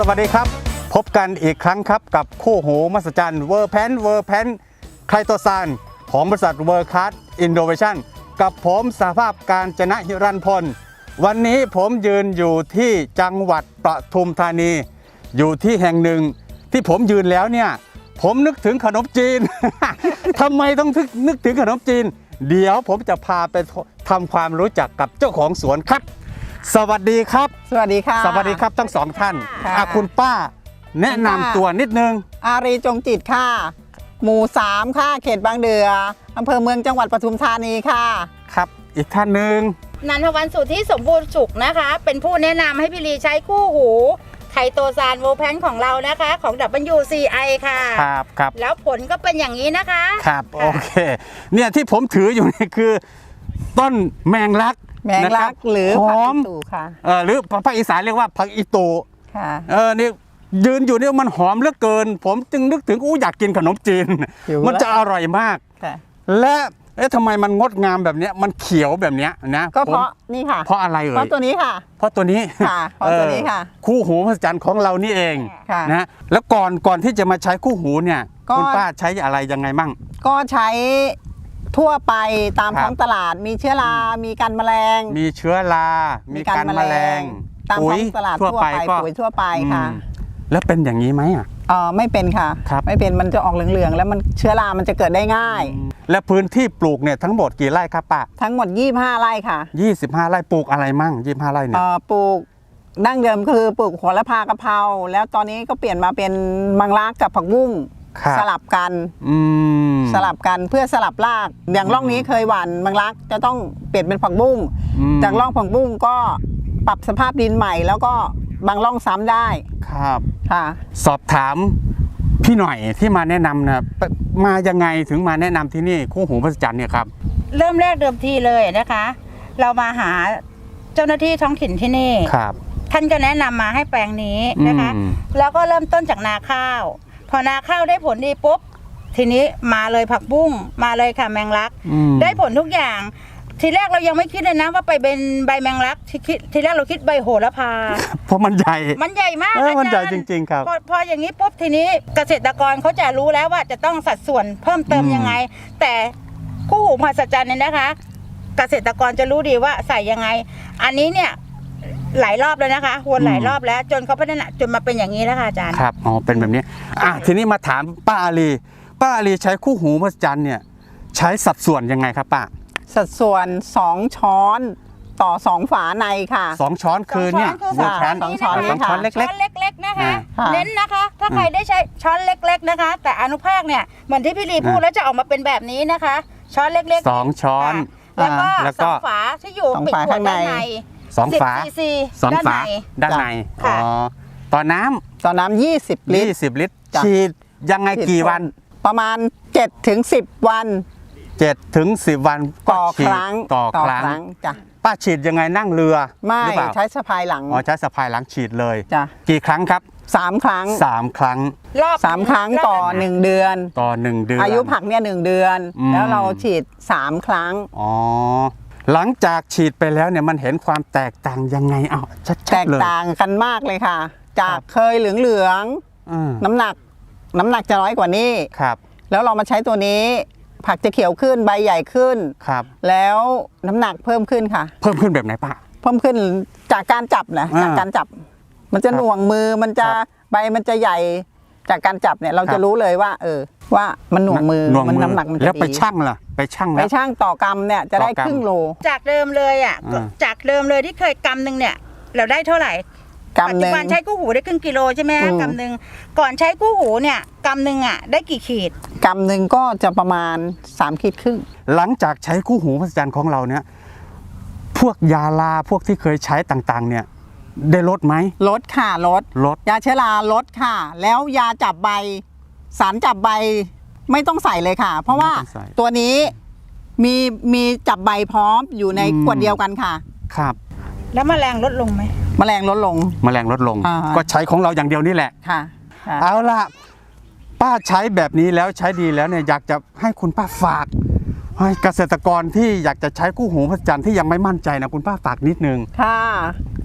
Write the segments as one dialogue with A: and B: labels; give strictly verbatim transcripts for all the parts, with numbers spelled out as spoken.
A: วัสดีครับพบกันอีกครั้งครับกับคู่หูมหัศจรรย์เวอร์แพนเวอร์แพนไคโตซานของบริษัทเวอร์คัสอินโนเวชั่นกับผมสหภาพการจนะหิรันพลวันนี้ผมยืนอยู่ที่จังหวัดปทุมธานีอยู่ที่แห่งหนึ่งที่ผมยืนแล้วเนี่ยผมนึกถึงขนมจีน ทำไมต้องนึกถึงขนมจีนเดี๋ยวผมจะพาไปทำความรู้จักกับเจ้าของสวนครับสวัสดีครับ
B: สวัสดีค่ะ
A: สวัสดีครับทั้งสองท่าน
B: ค่ะ
A: คุณป้าแนะนำตัวนิดนึง
B: อารีจงจิตค่ะหมู่สามค่ะเขตบางเดืออำเภอเมืองจังหวัดปทุมธานีค่ะ
A: ครับอีกท่านหนึ่ง
C: นันทวันสุทธิสมบูรณ์สุขนะคะเป็นผู้แนะนำให้พี่ลีใช้คู่หูไคโตซานโวแพนของเรานะคะของ ดับเบิลยู ซี ไอ ค่ะ
A: ครับครับ
C: แล้วผลก็เป็นอย่างนี้นะคะ
A: ครับโอเคเนี่ยที่ผมถืออยู่นี่คือต้นแมงลัก
B: แมงลักหรือผักอีตูค่ะ
A: เออหรือภาคอีสานเรียกว่าผักอีตู
B: ค่ะ
A: เออนี่ยืนอยู่นี่มันหอมเหลือเกินผมจึงนึกถึงอู้อยากกินขนมจีนมันจะอร่อยมากและเอ๊ะทำไมมันงดงามแบบนี้มันเขียวแบบนี้นะ
B: ก็เพราะนี่ค่ะ
A: เพราะอะไรเอ่ย
B: เพราะตัวนี้ค่ะ
A: เพราะตัวนี้
B: ค่ะเพราะตัวนี้ค่ะ
A: คู่หูมหัศจรรย์ของเรานี่เองนะแล้วก่อนก่อนที่จะมาใช้คู่หูเนี่ยคุณป้าใช้อะไรยังไงมั่ง
B: ก็ใช้ทั่วไปตามท้องตลาดมีเชื้อรา มีกันแมลง
A: มีเชื้อรา มีกันแมลง
B: ตามท้องตลาดทั่วไปปุ๋ยทั่วไปค่ะ
A: แล้วเป็นอย่างนี้ไหมอ่ะ
B: อ๋อไม่เป็นค่ะไม่เป็นมันจะออกเหลืองๆแล้วมันเชื้อรามันจะเกิดได้ง่าย
A: และพื้นที่ปลูกเนี่ยทั้งหมดกี่ไร่ครับป้า
B: ทั้งหมดยี่สิบห้าไร่ค่ะ
A: ยี่สิบห้าไร่ปลูกอะไรมั่งยี่สิบห้าไร่เนี่ย
B: ปลูกดั้งเดิมคือปลูกโหระพากะเพราแล้วตอนนี้ก็เปลี่ยนมาเป็นมังลักกับผักบุ้งสลับกันสลับกันเพื่อสลับรากอย่างร่องนี้เคยหว่านมังลักจะต้องเปลี่ยนเป็นผักบุ้งจากร่องผักบุ้งก็ปรับสภาพดินใหม่แล้วก็บางร่องซ้ำได้
A: ครับ
B: ค่ะ
A: สอบถามพี่หน่อยที่มาแนะนำนะมายังไงถึงมาแนะนำที่นี่คู่หูมหัศจรรย์เนี่ยครับ
C: เริ่มแรกเดิมทีเลยนะคะ เรามาหาเจ้าหน้าที่ท้องถิ่นที่นี่
A: ครับ
C: ท่านก็แนะนำมาให้แปลงนี้นะคะแล้วก็เริ่มต้นจากนาข้าวพอนาข้าวได้ผลดีปุ๊บทีนี้มาเลยผักบุ้งมาเลยค่ะแมงลักได้ผลทุกอย่างทีแรกเรายังไม่คิดเลยนะว่าไปเป็นใบแมงลักทีคิดทีแรกเราคิดใบโหระพา
A: เพราะมันใหญ่
C: มันใหญ่มาก
A: มันใหญ่จริงๆครับ
C: พอพออย่างนี้ปุ๊บทีนี้เกษตรกรเขาจะรู้แล้วว่าจะต้องสัดส่วนเพิ่มเติมยังไงแต่คู่หูมหัศจรรย์เนี่ยนะคะเกษตรกรจะรู้ดีว่าใส่ยังไงอันนี้เนี่ยหลายรอบแล้วนะคะวนหลายรอบแล้วจนเขาพัฒนาจนมาเป็นอย่างนี้แล้วค่ะอาจารย์
A: ครับอ๋อเป็นแบบนี้อ่ะทีนี้มาถามป้าอาลีป้าอาลีใช้คู่หูมหัศจรรย์เนี่ยใช้สัดส่วนยังไงครับป้า
B: สัดส่วนสองช้อนต่อสองฝาในค่ะ
A: สองช้อนคือเนี่ย
C: สองช้อนสองช้อน
A: สองช้อนเล็กๆช้อน
C: เล็กๆนะคะเน้นนะคะถ้าใครได้ใช้ช้อนเล็กๆนะคะแต่อนุภาคเนี่ยเหมือนที่พี่ลีพูดแล้วจะออกมาเป็นแบบนี้นะคะช้อนเล็ก
A: ๆสองช้อน
C: แล้วก็สองฝาที่อยู่ปิดหัวด้านใน
A: สองฝาสองฝาด้านในอ๋อต่อน้
B: ำต่อน้ำยี่สิบลิตร
A: ยี่สิบลิตรฉีดยังไงกี่วัน
B: ประมาณเจ็ดถึงสิบวัน
A: เจ็ดถึงสิบวัน
B: ต่อครั้ง
A: ต่อครั้งจ้ะป้าฉีดยังไงนั่งเรือ
B: ไม่ใช้สะพายหลัง
A: อ๋อใช้สะพายหลังฉีดเลย
B: จ้ะ
A: กี่ครั้งครับ
B: สามครั้ง
A: สามครั้ง
C: รอบ
B: สามครั้งต่อหนึ่งเดือน
A: ต่อหนึ่งเดือน
B: อายุผักเนี่ยหนึ่งเดือนแล้วเราฉีดสามครั้ง
A: อ๋อหลังจากฉีดไปแล้วเนี่ยมันเห็นความแตกต่างยังไงอ้าวชัดๆเลยแต
B: กต่างกันมากเลยค่ะจากเคยเหลืองเหลืองน้ำหนักน้ำหนักจะน้อยกว่านี้
A: ครับ
B: แล้วเรามาใช้ตัวนี้ผักจะเขียวขึ้นใบใหญ่ขึ้น
A: ครับ
B: แล้วน้ำหนักเพิ่มขึ้นค่ะ
A: เพิ่มขึ้นแบบไหนป้า
B: เพิ่มขึ้นจากการจับนะจากการจับมันจะหน่วงมือมันจะใบมันจะใหญ่จากการจับเนี่ยเราจะรู้เลยว่าเออว่ามันหน่วงมือมันน้ำหนักมันจะดี
A: แล้วไปชั่งล่ะไปชั่ง
B: ไปชั่งต่อกำเนี่ยจะได้ครึ่งโล
C: จากเดิมเลยอ่ะจากเดิมเลยที่เคยกำหนึ่งเนี่ยเราได้เท่าไหร่ปัจจุบันใช้คู่หูได้ครึ่งกิโลใช่ไหมกำหนึ่งก่อนใช้คู่หูเนี่ยกำหนึ่งอ่ะได้กี่ขีด
B: กำหนึ่งก็จะประมาณสามขีดครึ่ง
A: หลังจากใช้คู่หูมหัศจรรย์ของเราเนี่ยพวกยาลาพวกที่เคยใช้ต่างๆเนี่ยได้ลดไหม
B: ลดค่ะลด
A: ลด
B: ยาเชื้อราลดค่ะแล้วยาจับใบสารจับใบไม่ต้องใส่เลยค่ะเพราะว่าตัวนี้มีมีจับใบพร้อมอยู่ในขวดเดียวกันค่ะ
A: ครับ
C: แล้วแมลงลดลงไหม
B: แมลงลดลง
A: แมลงลดลงก็ใช้ของเราอย่างเดียวนี่แหละ
B: ค่ะ
A: เอาล่ะป้าใช้แบบนี้แล้วใช้ดีแล้วเนี่ยอยากจะให้คุณป้าฝากให้เกษตรกรที่อยากจะใช้คู่หูมหัศจรรย์ที่ยังไม่มั่นใจนะคุณป้าฝากนิดนึง
B: ค่ะ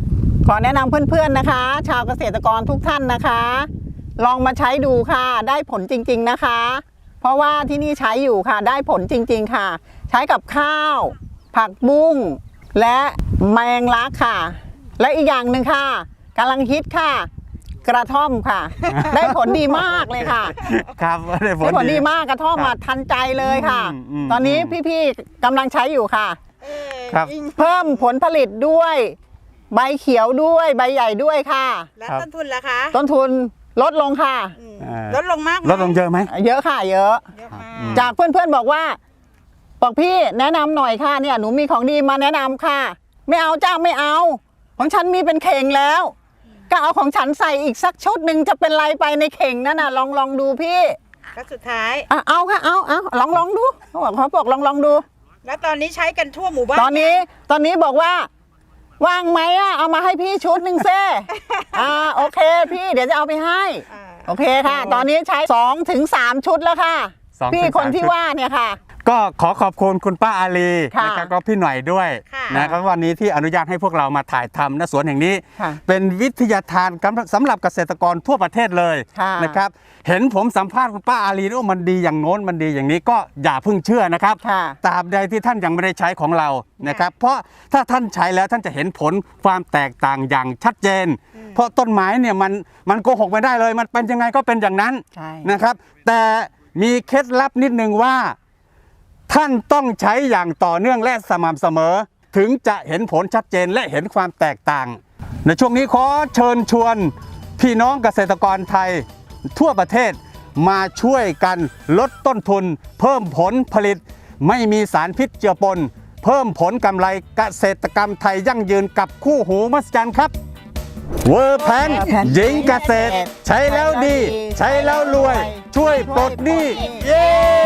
B: ขอแนะนำเพื่อนๆนะคะ ชาวเกษตรกรทุกท่านนะคะ ลองมาใช้ดูค่ะได้ผลจริงๆนะคะ เพราะว่าที่นี่ใช้อยู่ค่ะได้ผลจริงๆค่ะ ใช้กับข้าว ผักบุ้งและแมงลักค่ะ และอีกอย่างหนึ่งค่ะกำลังฮิตค่ะ กระท่อมค่ะ ได้ผลดีมากเลยค่ะ
A: ครับได้ผล
B: ได้ผล
A: ดี
B: ดีมากกระท่อม
A: ครั
B: มา
A: บ
B: ทันใจเลยค่ะ
A: อืมอืม
B: ตอนนี้
A: อืม
B: พี่ๆกำลังใช้อยู่ค่ะ
A: ครับ
B: เพิ่มผลผลิตด้วย ใบเขียวด้วยใบใหญ่ด้วยค่ะ
C: แล้ว
A: ครับ
C: ต้นทุนล่ะคะ
B: ต้นทุนลดลงค่ะ
C: อืม
A: อ่า
C: ลดลงมากไหม
A: ลดลงเยอะไหม
B: เยอะค่ะเยอะ
C: เยอะมาก
A: อืม
B: จากเพื่อนๆบอกว่า บอกพี่แนะนำหน่อยค่ะเนี่ยหนูมีของดีมาแนะนำค่ะ ไม่เอาจ้าไม่เอา ของฉันมีเป็นเข่งแล้ว ก็เอาของฉันใส่อีกสักชุดหนึ่งจะเป็นไรไปในเข่งนั่นน่ะลองลองดูพี่
C: แล้วสุดท้าย
B: อ่ะเอาค่ะเอาเอาลองลองดูเขาบอกเขาบอกลองลองดู
C: แล้วตอนนี้ใช้กันทั่วหมู่บ้าน
B: ตอนนี้ตอนนี้บอกว่า ว่างไหมอ่ะเอามาให้พี่ชุดหนึ่งเซ่อ่าโอเคพี่เดี๋ยวจะเอาไปให้
C: อ่า
B: โอเคค่ะ ตอนนี้ใช้สองถึงสามชุดแล้วค่ะ
A: สองถึง
B: พี่คน
A: สาม
B: ที่
A: ชุด
B: ว่าเนี่ยค่ะ
A: ก็ขอขอบคุณคุณป้าอาลี
B: ค่ะ
A: นะครับก็พี่หน่อยด้วย
C: ค่ะ
A: นะครับวันนี้ที่อนุญาตให้พวกเรามาถ่ายทำณสวนแห่งนี้
B: ค่ะ
A: เป็นวิทยาทานสำหรับเกษตรกรทั่วประเทศเลย
B: ค่ะ
A: นะครับเห็นผมสัมภาษณ์คุณป้าอาลีว่ามันดีอย่างโน้นมันดีอย่างนี้ก็อย่าเพิ่งเชื่อนะครับ
B: ค่ะ
A: ตราบใดที่ท่านยังไม่ได้ใช้ของเรานะครับเพราะถ้าท่านใช้แล้วท่านจะเห็นผลความแตกต่างอย่างชัดเจน เพราะต้นไม้เนี่ยมันมันโกหกไม่ได้เลย มันเป็นยังไงก็เป็นอย่างนั้น
B: ใช่
A: นะครับ แต่มีเคล็ดลับนิดนึงว่า ท่านต้องใช้อย่างต่อเนื่องและสม่ำเสมอ ถึงจะเห็นผลชัดเจนและเห็นความแตกต่าง ในช่วงนี้ขอเชิญชวนพี่น้องเกษตรกรไทยทั่วประเทศมาช่วยกันลดต้นทุน เพิ่มผลผลิต ไม่มีสารพิษเจือปน เพิ่มผลกำไรเกษตรกรรมไทยยั่งยืนกับคู่หูมหัศจรรย์ครับเวอร์แพนหญิงเกษตร ใช้แล้วดี ใช้แล้วรวย ช่วยปลดหนี้เย้